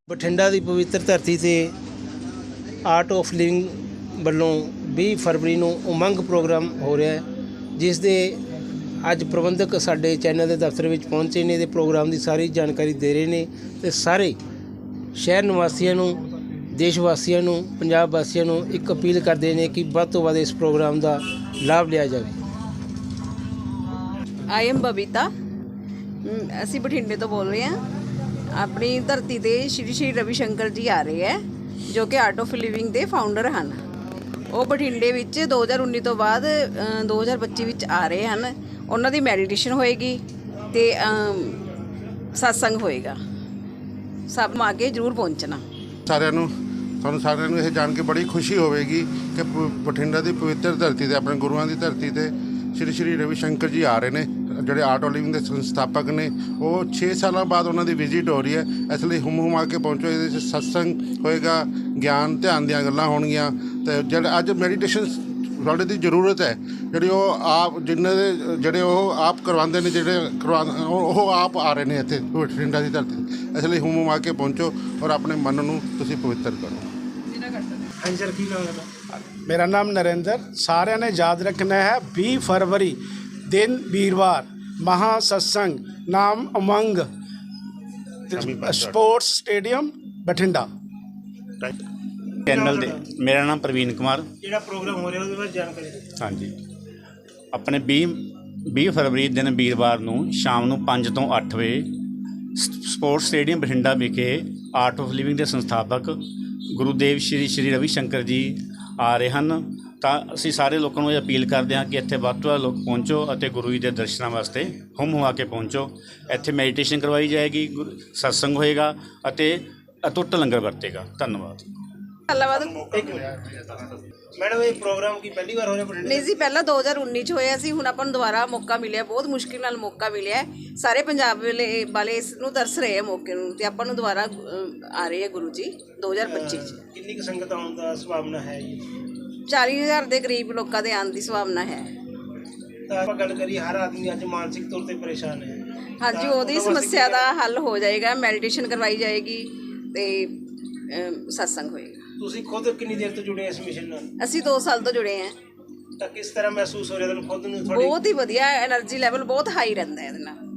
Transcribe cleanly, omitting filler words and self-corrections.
ਬਠਿੰਡਾ ਦੀ ਪਵਿੱਤਰ ਧਰਤੀ ਤੇ ਆਰਟ ਆਫ ਲਿਵਿੰਗ ਵੱਲੋਂ 20 ਫਰਵਰੀ ਨੂੰ ਉਮੰਗ ਪ੍ਰੋਗਰਾਮ ਹੋ ਰਿਹਾ ਹੈ, ਜਿਸ ਦੇ ਅੱਜ ਪ੍ਰਬੰਧਕ ਸਾਡੇ ਚੈਨਲ ਦੇ ਦਫ਼ਤਰ ਵਿੱਚ ਪਹੁੰਚੇ ਨੇ ਤੇ ਪ੍ਰੋਗਰਾਮ ਦੀ ਸਾਰੀ ਜਾਣਕਾਰੀ ਦੇ ਰਹੇ ਨੇ ਤੇ ਸਾਰੇ ਸ਼ਹਿਰ ਨਿਵਾਸੀਆਂ ਨੂੰ, ਦੇਸ਼ ਵਾਸੀਆਂ ਨੂੰ, ਪੰਜਾਬ ਵਾਸੀਆਂ ਨੂੰ ਇੱਕ ਅਪੀਲ ਕਰਦੇ ਨੇ ਕਿ ਵੱਧ ਤੋਂ ਵੱਧ ਇਸ ਪ੍ਰੋਗਰਾਮ ਦਾ ਲਾਭ ਲਿਆ ਜਾਵੇ। ਆਈ ਐਮ ਬਬੀਤਾ, ਅਸੀਂ ਬਠਿੰਡੇ ਤੋਂ ਬੋਲ ਰਹੇ ਹਾਂ। ਆਪਣੀ ਧਰਤੀ ਤੇ ਸ਼੍ਰੀ ਰਵੀ ਸ਼ੰਕਰ ਜੀ ਆ ਰਹੇ ਹੈ, ਜੋ ਕਿ ਆਰਟ ਆਫ ਲਿਵਿੰਗ ਦੇ ਫਾਊਂਡਰ ਹਨ। ਉਹ ਬਠਿੰਡੇ ਵਿੱਚ 2019 ਤੋਂ ਬਾਅਦ 2025 ਵਿੱਚ ਆ ਰਹੇ ਹਨ। ਉਹਨਾਂ ਦੀ ਮੈਡੀਟੇਸ਼ਨ ਹੋਏਗੀ ਤੇ ਸਤਸੰਗ ਹੋਏਗਾ। ਸਭ ਨੂੰ ਆ ਕੇ ਜ਼ਰੂਰ ਪਹੁੰਚਣਾ। ਤੁਹਾਨੂੰ ਸਾਰਿਆਂ ਨੂੰ ਇਹ ਜਾਣ ਕੇ ਬੜੀ ਖੁਸ਼ੀ ਹੋਵੇਗੀ ਕਿ ਬਠਿੰਡਾ ਦੀ ਪਵਿੱਤਰ ਧਰਤੀ ਤੇ, ਆਪਣੇ ਗੁਰੂਆਂ ਦੀ ਧਰਤੀ ਤੇ ਸ਼੍ਰੀ ਰਵੀ ਸ਼ੰਕਰ ਜੀ ਆ ਰਹੇ ਨੇ, ਜਿਹੜੇ ਆਰਟ ਆਫ ਲਿਵਿੰਗ ਦੇ ਸੰਸਥਾਪਕ ਨੇ। ਉਹ 6 ਸਾਲਾਂ ਬਾਅਦ ਉਹਨਾਂ ਦੀ ਵਿਜ਼ਿਟ ਹੋ ਰਹੀ ਹੈ, ਇਸ ਲਈ ਹੁਮ ਕੇ ਪਹੁੰਚੋ। ਇਹਦੇ 'ਚ ਸਤਸੰਗ ਹੋਏਗਾ, ਗਿਆਨ ਧਿਆਨ ਦੀਆਂ ਗੱਲਾਂ ਹੋਣਗੀਆਂ ਤੇ ਜਿਹੜੇ ਅੱਜ ਮੈਡੀਟੇਸ਼ਨ ਸਾਡੇ ਦੀ ਜ਼ਰੂਰਤ ਹੈ, ਜਿਹੜੀ ਉਹ ਆਪ ਜਿਨ੍ਹਾਂ ਦੇ ਜਿਹੜੇ ਉਹ ਆਪ ਕਰਵਾਉਂਦੇ ਨੇ, ਉਹ ਆਪ ਆ ਰਹੇ ਨੇ ਇੱਥੇ ਬਠਿੰਡਾ ਦੀ ਧਰਤੀ। ਇਸ ਲਈ ਹੁਮ ਕੇ ਪਹੁੰਚੋ ਔਰ ਆਪਣੇ ਮਨ ਨੂੰ ਤੁਸੀਂ ਪਵਿੱਤਰ ਕਰੋ। ਹਾਂਜੀ ਸਰ, ਕੀ ਨਾਮ ਹੈ? मेरा नाम नरेंद्र। सारे ने याद रखना है 20 फरवरी दिन वीरवार महासत्संग, नाम उमंग स्पोर्ट्स स्टेडियम बठिंडा। चैनल दे मेरा नाम प्रवीण कुमार। ਜਿਹੜਾ ਪ੍ਰੋਗਰਾਮ ਹੋ ਰਿਹਾ ਉਹਦੇ ਬਾਰੇ ਜਾਣਕਾਰੀ ਦਿਓ। हाँ जी, अपने 20 ਫਰਵਰੀ ਦਿਨ ਵੀਰਵਾਰ ਨੂੰ ਸ਼ਾਮ ਨੂੰ 5 ਤੋਂ 8 ਵਜੇ ਸਪੋਰਟਸ ਸਟੇਡੀਅਮ ਬਠਿੰਡਾ ਵਿਖੇ ਆਰਟ ਆਫ ਲਿਵਿੰਗ ਦੇ ਸੰਸਥਾਪਕ ਗੁਰੂਦੇਵ ਸ਼੍ਰੀ ਰਵੀ ਸ਼ੰਕਰ ਜੀ ਆ ਰਹੇ ਹਨ। ਤਾਂ ਅਸੀਂ ਸਾਰੇ ਲੋਕਾਂ ਨੂੰ ਇਹ ਅਪੀਲ ਕਰਦੇ ਹਾਂ ਕਿ ਇੱਥੇ ਵੱਧ ਤੋਂ ਵੱਧ ਲੋਕ ਪਹੁੰਚੋ ਅਤੇ ਗੁਰੂ ਜੀ ਦੇ ਦਰਸ਼ਨਾਂ ਵਾਸਤੇ ਹੁਮ ਕੇ ਪਹੁੰਚੋ। ਇੱਥੇ ਮੈਡੀਟੇਸ਼ਨ ਕਰਵਾਈ ਜਾਏਗੀ, ਸਤਸੰਗ ਹੋਏਗਾ ਅਤੇ ਅਟੁੱਟ ਲੰਗਰ ਵਰਤੇਗਾ। ਧੰਨਵਾਦ। ਮੈਡਮ, ਇਹ ਪ੍ਰੋਗਰਾਮ ਕੀ ਪਹਿਲੀ ਵਾਰ ਹੋ ਰਿਹਾ ਬਠਿੰਡੇ? ਨਹੀਂ ਜੀ, ਪਹਿਲਾਂ 2019 ਚ ਹੋਇਆ ਸੀ। ਹੁਣ ਆਪਾਂ ਨੂੰ ਦੁਬਾਰਾ ਮੌਕਾ ਮਿਲਿਆ, ਬਹੁਤ ਮੁਸ਼ਕਿਲ ਨਾਲ ਮੌਕਾ ਮਿਲਿਆ। ਸਾਰੇ ਪੰਜਾਬ ਵਾਲੇ ਇਸ ਨੂੰ ਤਰਸ ਰਹੇ ਆ ਮੌਕੇ ਨੂੰ, ਤੇ ਆਪਾਂ ਨੂੰ ਦੁਬਾਰਾ ਆ ਰਹੇ ਆ ਗੁਰੂ ਜੀ 2025 ਚ। ਕਿੰਨੀ ਕੁ ਸੰਗਤ ਆਉਣ ਦਾ ਸੰਭਾਵਨਾ ਹੈ ਜੀ? 40,000 ਦੇ ਕਰੀਬ ਲੋਕਾਂ ਦੇ ਆਉਣ ਦੀ ਸੰਭਾਵਨਾ ਹੈ। ਤਾਂ ਆਪਾਂ ਗੱਲ ਕਰੀਏ, ਹਰ ਆਦਮੀ ਅੱਜ ਮਾਨਸਿਕ ਤੌਰ ਤੇ ਪਰੇਸ਼ਾਨ ਹੈ। ਹਾਂਜੀ, ਉਹਦੀ ਸਮੱਸਿਆ ਦਾ ਹੱਲ ਹੋ ਜਾਏਗਾ। ਮੈਡੀਟੇਸ਼ਨ ਕਰਵਾਈ ਜਾਏਗੀ ਤੇ ਸਤਸੰਗ ਹੋਏਗਾ। ਤੁਸੀਂ ਖੁਦ ਕਿੰਨੀ ਦੇਰ ਤੋਂ ਜੁੜੇ ਇਸ ਮਿਸ਼ਨ ਨਾਲ? ਅਸੀਂ 2 ਸਾਲ ਤੋਂ ਜੁੜੇ ਹਾਂ। ਤਾਂ ਕਿਸ ਤਰ੍ਹਾਂ ਮਹਿਸੂਸ ਹੋ ਰਿਹਾ ਤੁਹਾਨੂੰ ਖੁਦ ਨੂੰ? ਬਹੁਤ ਹੀ ਵਧੀਆ, એનર્ਜੀ ਲੈਵਲ ਬਹੁਤ ਹਾਈ ਰਹਿੰਦਾ ਹੈ ਇਹਦੇ ਨਾਲ।